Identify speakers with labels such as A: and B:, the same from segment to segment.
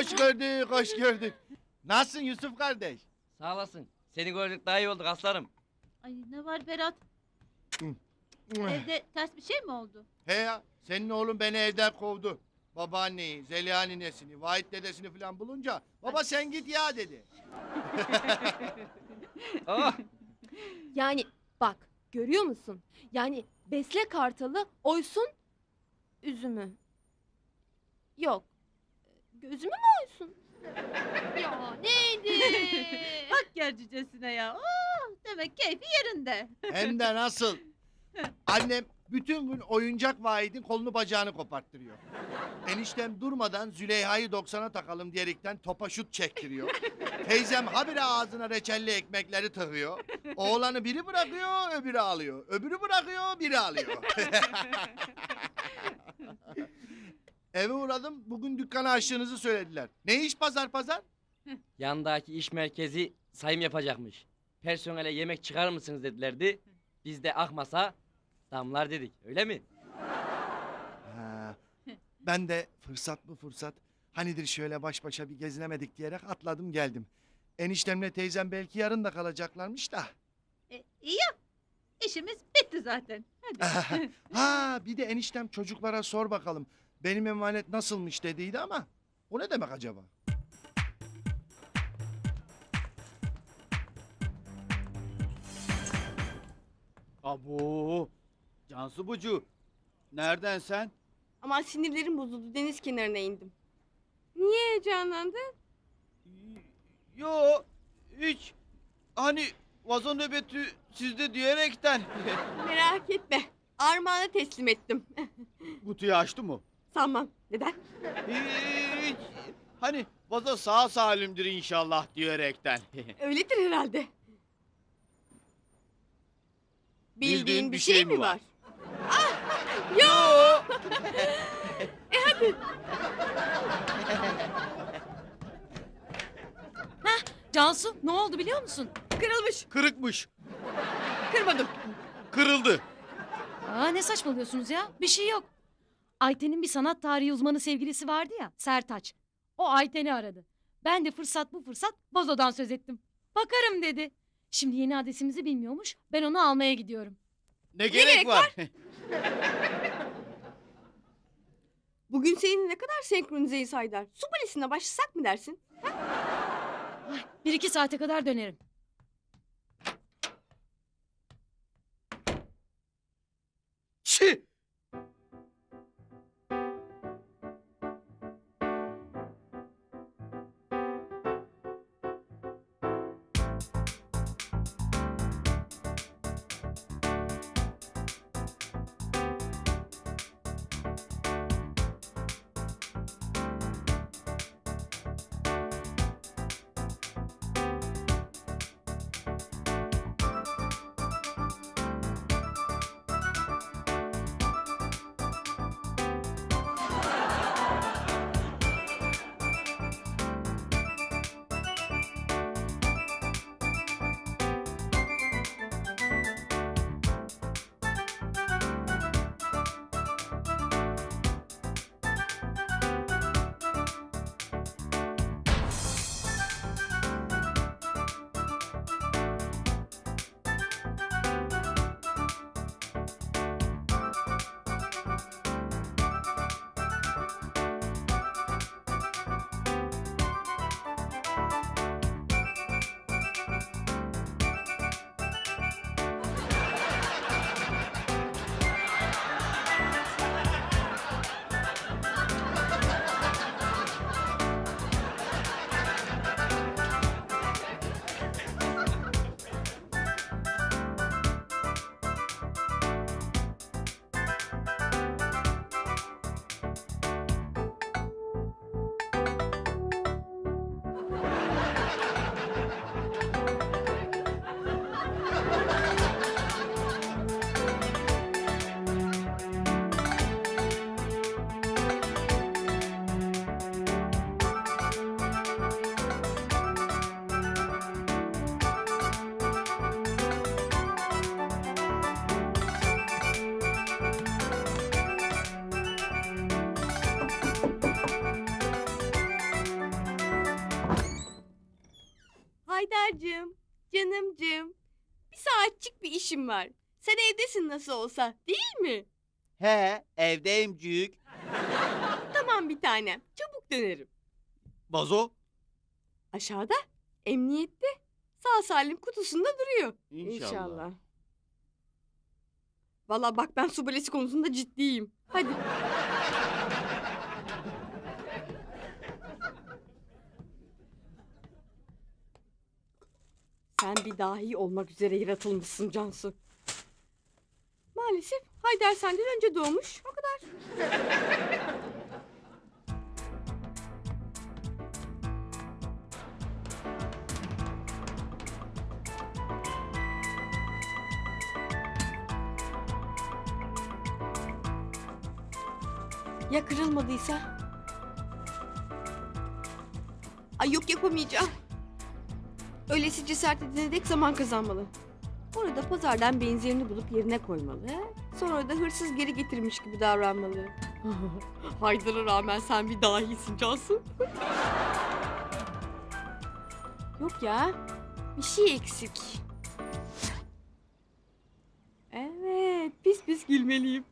A: Hoş gördük, hoş gördük. Nasılsın Yusuf kardeş?
B: Sağ olasın. Seni gördük daha iyi olduk aslanım.
C: Ay ne var Berat? Evde ters bir şey mi oldu?
A: He ya, senin oğlun beni evden kovdu. Babaanneyi, Zeliha ninesini, Vahit dedesini falan bulunca baba sen git ya dedi.
B: Oh,
D: Yani bak görüyor musun? Yani besle kartalı oysun üzümü. Yok. Gözümü mü oysun? Ya neydi?
C: Bak gercicesine ya. Oh, demek keyfi yerinde.
A: Hem de nasıl? Annem bütün gün oyuncak Vahit'in kolunu bacağını koparttırıyor. Eniştem durmadan Züleyha'yı 90'a takalım diyerekten topa şut çektiriyor. Teyzem habire ağzına reçelli ekmekleri tıkıyor. Oğlanı biri bırakıyor, öbürü alıyor. Öbürü bırakıyor, biri alıyor. Eve uğradım, bugün dükkana açtığınızı söylediler. Ne iş pazar pazar?
B: yandaki iş merkezi sayım yapacakmış. Personele yemek çıkarır mısınız dedilerdi. Biz de akmasa damlar dedik. Öyle mi?
A: Ha, ben de fırsat bu fırsat. Hanidir şöyle baş başa bir gezinemedik diyerek atladım geldim. Eniştemle teyzem belki yarın da kalacaklarmış da.
C: İyi ya. İşimiz bitti zaten. Hadi.
A: Ha bir de eniştem çocuklara sor bakalım. Benim emanet nasılmış dediydi ama. O ne demek acaba?
E: Abo! Cansu Bucu, nereden sen?
D: Ama sinirlerim bozuldu. Deniz kenarına indim. Niye heyecanlandın?
E: Yo, hiç. Hani vazo nöbeti sizde diyerekten.
D: Merak etme. Armağan'a teslim ettim.
E: Kutuyu açtı mı?
D: Sanmam. Neden?
E: Hiç. Hani vazo sağ salimdir inşallah diyerekten.
D: Öyledir herhalde.
E: Bildiğin bir şey mi var?
D: Yo!
F: Cansu ne oldu biliyor musun?
D: Kırılmış.
E: Kırıkmış.
D: Kırmadım.
E: Kırıldı.
F: Aa, ne saçmalıyorsunuz ya? Bir şey yok. Ayten'in bir sanat tarihi uzmanı sevgilisi vardı ya, Sertaç. O Ayten'i aradı. Ben de fırsat bu fırsat vazodan söz ettim. Bakarım dedi. Şimdi yeni adresimizi bilmiyormuş. Ben onu almaya gidiyorum.
E: Ne gerek var?
D: Bugün seninle ne kadar senkronizeyiz Haydar. Su balesine başlasak mı dersin?
F: Ay, 1-2 saate kadar dönerim.
E: Çi!
D: Hazar'cığım, canımcığım. Bir saatçik bir işim var. Sen evdesin nasıl olsa, değil mi?
E: He, evdeyim cüyük.
D: Tamam bir tanem, çabuk dönerim.
E: Vazo?
D: Aşağıda, emniyette. Sağ salim kutusunda duruyor.
E: İnşallah.
D: Vallahi bak ben su balesi konusunda ciddiyim. Hadi. Sen bir dahi olmak üzere yaratılmışsın Cansu. Maalesef Haydar senden önce doğmuş. O kadar. Ya kırılmadıysa? Ay yok yapamayacağım. Öylesi cesaret edene dek zaman kazanmalı. Orada pazardan benzerini bulup yerine koymalı. Sonra da hırsız geri getirmiş gibi davranmalı. Haydar'a rağmen sen bir dahisin Cansu. Yok ya. Bir şey eksik. Evet. Pis pis gülmeliyim.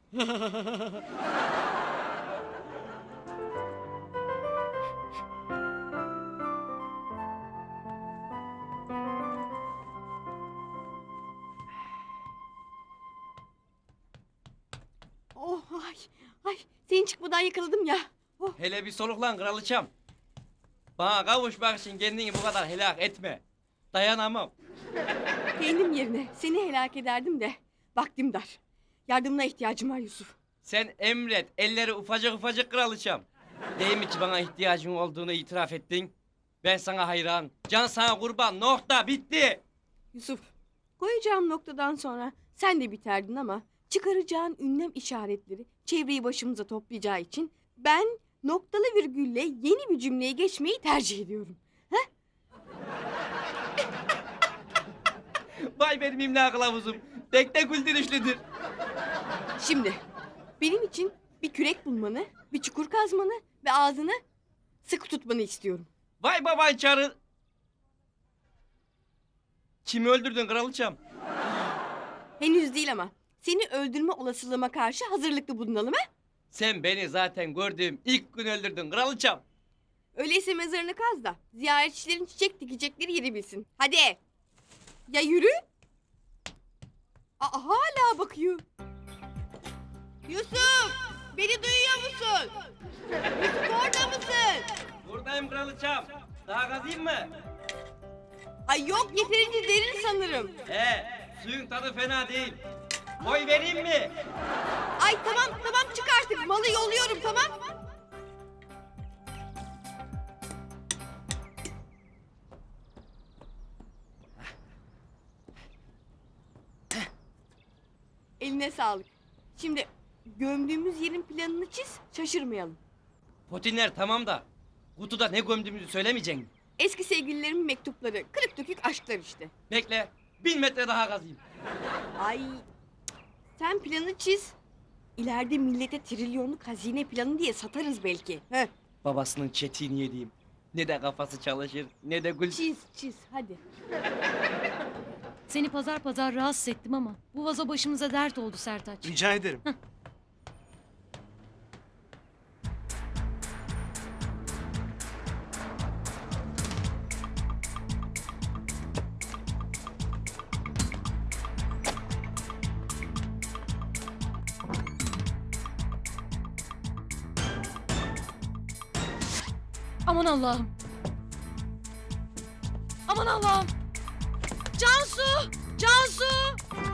D: Oh ay ay seni çıkmadan yakaladım ya.
B: Hele bir soluklan kraliçem. Bana kavuşmak için kendini bu kadar helak etme. Dayanamam.
D: Kendim yerine seni helak ederdim de vaktim dar. Yardımına ihtiyacım var Yusuf.
B: Sen emret, elleri ufacık ufacık kraliçem. Değil mi ki bana ihtiyacın olduğunu itiraf ettin? Ben sana hayran, can sana kurban, nokta, bitti.
D: Yusuf koyacağım noktadan sonra sen de biterdin ama çıkaracağın ünlem işaretleri çevreyi başımıza toplayacağı için ben noktalı virgülle yeni bir cümleye geçmeyi tercih ediyorum.
B: Vay benim imla kılavuzum, tek tek güldürüşlüdür.
D: Şimdi benim için bir kürek bulmanı, bir çukur kazmanı ve ağzını sıkı tutmanı istiyorum.
B: Vay baban çarı. Kimi öldürdün kraliçem?
D: Henüz değil ama seni öldürme olasılığıma karşı hazırlıklı bulunalım ha?
B: Sen beni zaten gördüğüm ilk gün öldürdün kraliçem.
D: Öyleyse mezarını kaz da ziyaretçilerin çiçek dikecekleri yeri bilsin. Hadi. Ya yürü. Aa, hala bakıyor. Yusuf! Beni duyuyor musun? Yusuf orada mısın?
B: Buradayım kraliçem. Daha kazıyım mı?
D: Ay yok yeterince derin sanırım.
B: Suyun tadı fena değil. Boy vereyim mi?
D: Ay tamam çık artık. Malı yolluyorum tamam. Eline sağlık. Şimdi gömdüğümüz yerin planını çiz, şaşırmayalım.
B: Potinler tamam da kutuda ne gömdüğümüzü söylemeyecek misin?
D: Eski sevgililerimin mektupları, kırık dökük aşklar işte.
B: Bekle, 1000 metre daha kazayım.
D: Ay, sen planı çiz. İleride millete trilyonluk hazine planı diye satarız belki. Heh.
B: Babasının çetiğini yediğim. Ne de kafası çalışır, ne de gül...
D: Çiz hadi.
F: Seni pazar pazar rahatsız ettim ama bu vazo başımıza dert oldu Sertaç.
G: Rica ederim.
F: Aman Allah'ım. Aman Allah'ım. Cansu! Cansu!